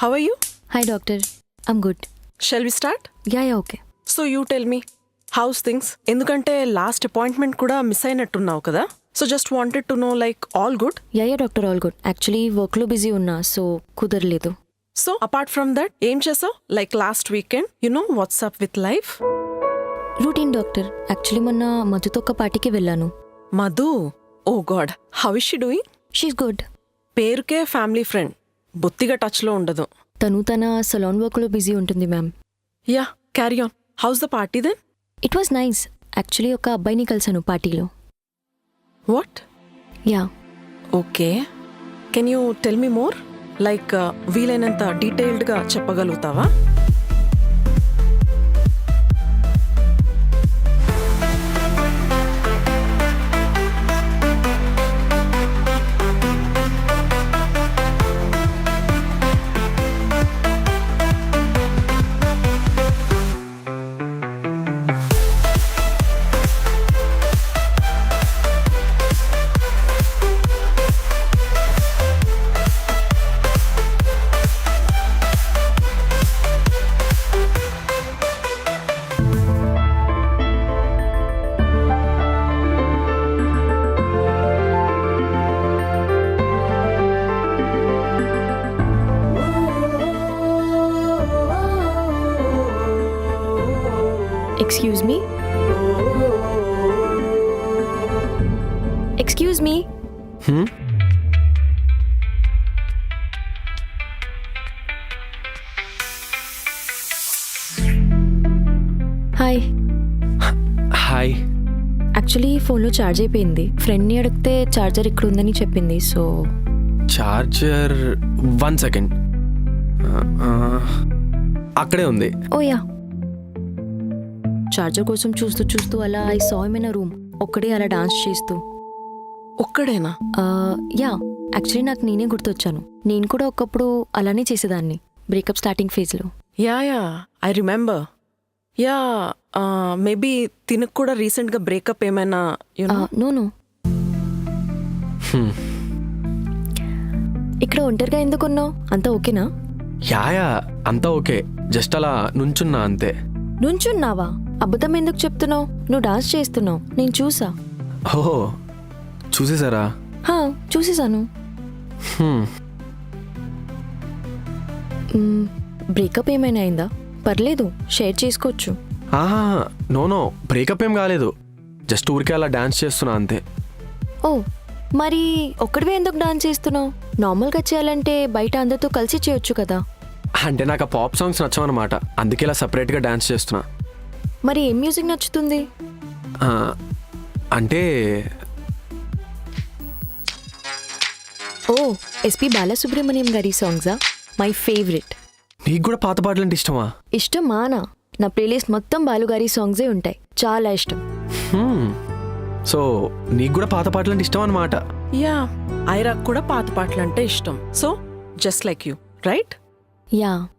How are you? Hi doctor, I'm good. Shall we start? Yeah, okay. So you tell me, how's things? ఎందుకంటే last appointment కూడా miss అయినట్టున్నావు కదా. So just wanted to know like all good. Yeah, doctor all good. Actually వర్క్లో busy ఉన్నా so కుదరలేదు. So apart from that ఏం చేసావు? Like last weekend what's up with life. Routine doctor. Actually మొన్న మధుతో ఒక పార్టీకి వెళ్ళాను. Madhu, oh god, how is she doing? She's good. పేరుకే ఫ్యామిలీ ఫ్రెండ్, బొత్తిగా టచ్లో ఉండదు. తను తన సలాన్ వర్క్లో బిజీ ఉంటుంది ma'am. Yeah, carry on. How's the party then? It was nice. Actually ఒక అబ్బాయిని కలిసాను పార్టీలో. What? Yeah. Okay, can you tell me more? Like వీలైనంత డీటెయిల్డ్గా చెప్పగలుగుతావా? Excuse me? Excuse me? Hi. Hi. Actually ఫోన్లో ఛార్జ్ అయిపోయింది. ఫ్రెండ్ని అడిగితే ఛార్జర్ ఇక్కడ ఉందని చెప్పింది. So charger 1 second. అక్కడే ఉంది. Oh yeah. చార్జర్ కోసం చూస్తూ చూస్తూ అలా I saw him in a room. ఒక్కడే అలా డాన్స్ చేస్తూ. ఒక్కడేనా? యా, యాక్చువల్లీ నాకు నేనే గుర్తొచ్చాను. నేను కూడా ఒకప్పుడు అలానే చేసేదాన్ని బ్రేకప్ స్టార్టింగ్ ఫేజ్లో. Yeah, I remember. Yeah, maybe తినకు కూడా రీసెంట్గా బ్రేకప్ ఏమైనా నో. ఇక్కడ ఒంటరిగా ఎందుకున్నావు? అంతా ఓకేనా? యా, అంతా ఓకే. జస్ట్ అలా నుంచున్నా అంతే. నుంచున్నావా? అబద్ధం ఎందుకు చెప్తున్నావు? నువ్వు డాన్స్ చేస్తున్నావు, నేను చూసా. ఓహో, చూసేసారా? చూసేసాను. బ్రేకప్ ఏమైనా అయిందా? పర్లేదు, షేర్ చేసుకోవచ్చు. నో, బ్రేకప్ ఏం కాలేదు. జస్ట్ ఊరికే అలా డాన్స్ చేస్తున్నా అంతే. ఓ, మరి ఒక్కడివే ఎందుకు డాన్స్ చేస్తున్నావు? నార్మల్గా చేయాలంటే బయట అందరితో కలిసి చేయొచ్చు కదా. అంటే నాకు ఆ పాప్ సాంగ్స్ నచ్చవన్నమాట. అందుకే ఇలా సపరేట్గా డాన్స్ చేస్తున్నా. మరి ఏం మ్యూజిక్ నచ్చుతుంది? అంటే ఓ, ఎస్పి బాలసుబ్రహ్మణ్యం గారి సాంగ్సా? My favourite. నీకు కూడా పాత పాటలు అంటే ఇష్టమా? ఇష్టమానా? నా ప్లేలిస్ట్ మొత్తం బాలుగారి సాంగ్సే ఉంటాయి. చాలా ఇష్టం. సో నీకు కూడా పాత పాటలు అంటే ఇష్టం అన్నమాట. యా, ఐరాక్ కూడా పాత పాటలు అంటే ఇష్టం. So just like you, right? Yeah.